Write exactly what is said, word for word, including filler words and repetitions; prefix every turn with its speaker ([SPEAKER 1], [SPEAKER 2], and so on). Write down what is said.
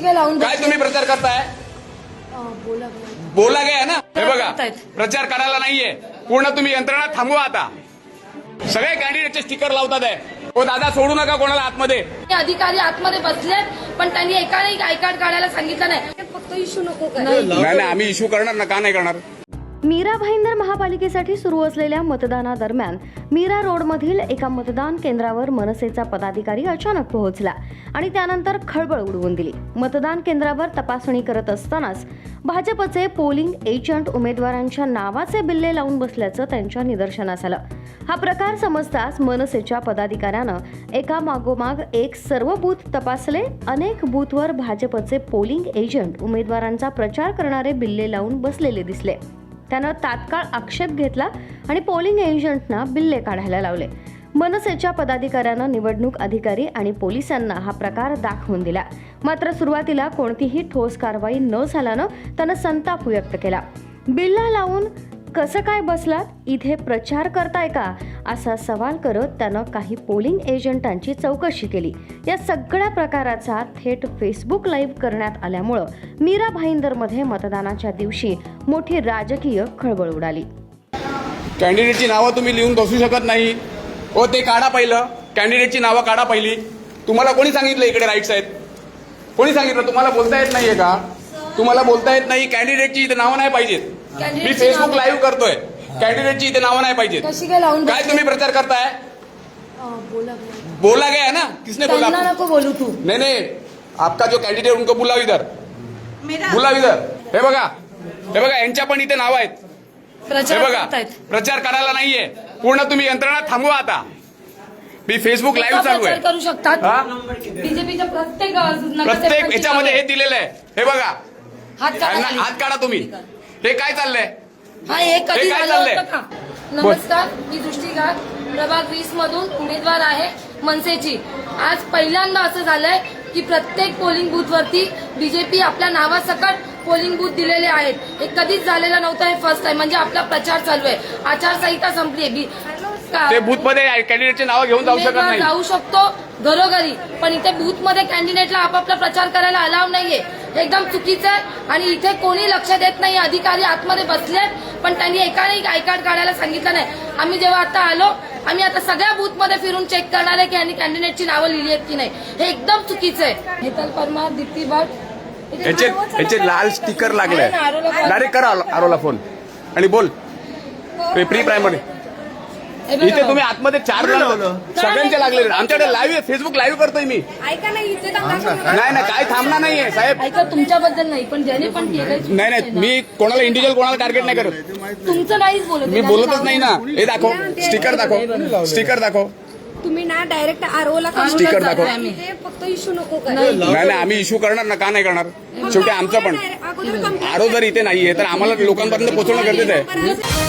[SPEAKER 1] काय लावून
[SPEAKER 2] काय तुम्ही प्रचार करताय?
[SPEAKER 1] बोला
[SPEAKER 2] बोला गया ना. हे बघा, प्रचार करायला नाहीये. पूर्ण तुम्ही यंत्रणा थांबवा आता. सगळे कॅन्डिडेटचे स्टिकर लावतात आहे. ओ दादा, सोडू नका कोणाला आतमध्ये.
[SPEAKER 1] अधिकारी आतमध्ये बसलेत, पण त्यांनी एकाने आय कार्ड काढायला सांगितलं नाही. फक्त इश्यू नको
[SPEAKER 2] नाही नाही, आम्ही इश्यू करणार ना. का नाही करणार?
[SPEAKER 3] मीरा भाईंदर महापालिकेसाठी सुरू असलेल्या मतदानादरम्यान मीरा रोडमधील एका मतदान केंद्रावर मनसेचा पदाधिकारी अचानक पोहोचला आणि त्यानंतर खळबळ उडवून दिली. मतदान केंद्रावर तपासणी करत असतानाच भाजपचे पोलिंग एजंट उमेदवारांच्या नावाचे बिल्ले लावून बसल्याचं त्यांच्या निदर्शनास आलं. हा प्रकार समजताच मनसेच्या पदाधिकाऱ्यानं एका मागोमाग एक सर्व बूथ तपासले. अनेक बूथवर भाजपचे पोलिंग एजंट उमेदवारांचा प्रचार करणारे बिल्ले लावून बसलेले दिसले. त्यानं तात्काळ आक्षेप घेतला आणि पोलिंग एजंटना बिल्ले काढायला लावले. मनसेच्या पदाधिकाऱ्यानं निवडणूक अधिकारी आणि पोलिसांना हा प्रकार दाखवून दिला. मात्र सुरुवातीला कोणतीही ठोस कारवाई न झाल्यानं त्यानं संताप व्यक्त केला. बिल्ला लावून कसं काय बसलात, इथे प्रचार करताय का, असा सवाल करत त्यानं काही पोलिंग एजंटांची चौकशी केली. या सगळ्या प्रकाराचा थेट फेसबुक लाईव्ह करण्यात आल्यामुळं मीरा भाईंदरमध्ये मतदानाच्या दिवशी मोठी राजकीय खळबळ उडाली.
[SPEAKER 2] कॅन्डिडेटची नावं तुम्ही लिहून बसू शकत नाही. हो, ते काढा पहिलं. कॅन्डिडेटची नावं काढा पहिली. तुम्हाला कोणी सांगितलं इकडे राईट्स आहेत? कोणी सांगितलं? तुम्हाला बोलता येत नाहीये का? तुम्हाला बोलता येत नाही? कॅन्डिडेटची इथे नावं नाही पाहिजेत. मी फेसबुक लाईव्ह करतोय. कॅन्डिडेटची इथे नावं नाही पाहिजेत.
[SPEAKER 1] कशी काय लावून
[SPEAKER 2] काय तुम्ही प्रचार करताय?
[SPEAKER 1] बोला
[SPEAKER 2] बोला गया ना. किसने बोला?
[SPEAKER 1] नको बोलू तू.
[SPEAKER 2] नहीं नहीं, आपका जो कैंडिडेट उनको बुलाओ इधर. बुलाओ इधर. हे बघा, हे बघा, यांच्या पण इथे नाव आहेत. हे बघा, प्रचार करायला नाहीये. पूर्ण तुम्ही यंत्रणा थांबवा आता. मी फेसबुक लाईव्ह चालू आहे.
[SPEAKER 1] करू शकतात बीजेपीच्या प्रत्येक
[SPEAKER 2] प्रत्येक याच्यामध्ये हे दिलेलं आहे. हे बघा,
[SPEAKER 1] हात काढा.
[SPEAKER 2] हात काढा तुम्ही. हे काय चाललंय?
[SPEAKER 1] हा, हे कधी
[SPEAKER 2] काय
[SPEAKER 1] झालं
[SPEAKER 2] चाललंय?
[SPEAKER 1] होतं का? नमस्कार, मी दृष्टिघात प्रभाग वीस मधून उमेदवार आहे मनसेची. आज पहिल्यांदा असं झालंय की प्रत्येक पोलिंग बूथवरती बीजेपी आपल्या नावासकट पोलिंग बूथ दिलेले आहेत. हे कधीच झालेलं नव्हतं. हे फर्स्ट टाइम. म्हणजे आपला प्रचार चालू आहे. आचारसंहिता संपली आहे.
[SPEAKER 2] ते बूथ मध्ये कॅन्डिडेटचे नाव घेऊन जाऊ शकत नाही.
[SPEAKER 1] जाऊ शकतो घरोघरी, पण इथे बूथ मध्ये कॅन्डिडेटला आपापला प्रचार करायला अलाव नाहीये. एकदम चुकीचं आहे. आणि इथे कोणी लक्ष देत नाही. अधिकारी आतमध्ये बसलेत, पण त्यांनी एकाने आय कार्ड काढायला सांगितलं नाही. आम्ही जेव्हा आता आलो, आम्ही आता सगळ्या बूथ मध्ये फिरून चेक करणार आहे की यांनी कॅन्डिडेटची नावं लिहिली आहेत की नाही. हे एकदम चुकीचं आहे. हेतल परमार, दीप्ती भट,
[SPEAKER 2] याचे याचे लाल स्टिकर लागले. डायरेक्ट करा आरोला फोन आणि बोल. प्री प्रायमरी इथे तुम्ही आतमध्ये चार जण सगळ्यांचे लागले. आमच्याकडे लाईव्ह फेसबुक लाईव्ह करतोय मी.
[SPEAKER 1] ऐका नाही, इथे
[SPEAKER 2] नाही नाही, काय थांबणार नाहीये साहेब.
[SPEAKER 1] ऐका, तुमच्याबद्दल नाही, पण ज्याने पण केलं.
[SPEAKER 2] नाही नाही, मी कोणाला इंडिव्हिज्युअल कोणाला टार्गेट नाही करत.
[SPEAKER 1] तुमचं नाहीच बोलत.
[SPEAKER 2] मी बोलतच नाही ना. हे दाखव, स्टिकर दाखव, स्टिकर दाखव.
[SPEAKER 4] तुम्ही ना डायरेक्ट आरओला
[SPEAKER 2] स्टिकर दाखव.
[SPEAKER 4] फक्त इश्यू नको करा.
[SPEAKER 2] नाही नाही, आम्ही इश्यू करणार ना. का नाही करणार? शेवटी आमचं पण आरो जर इथे नाहीये तर आम्हाला लोकांपर्यंत पोहोचवणं गरजेचं आहे.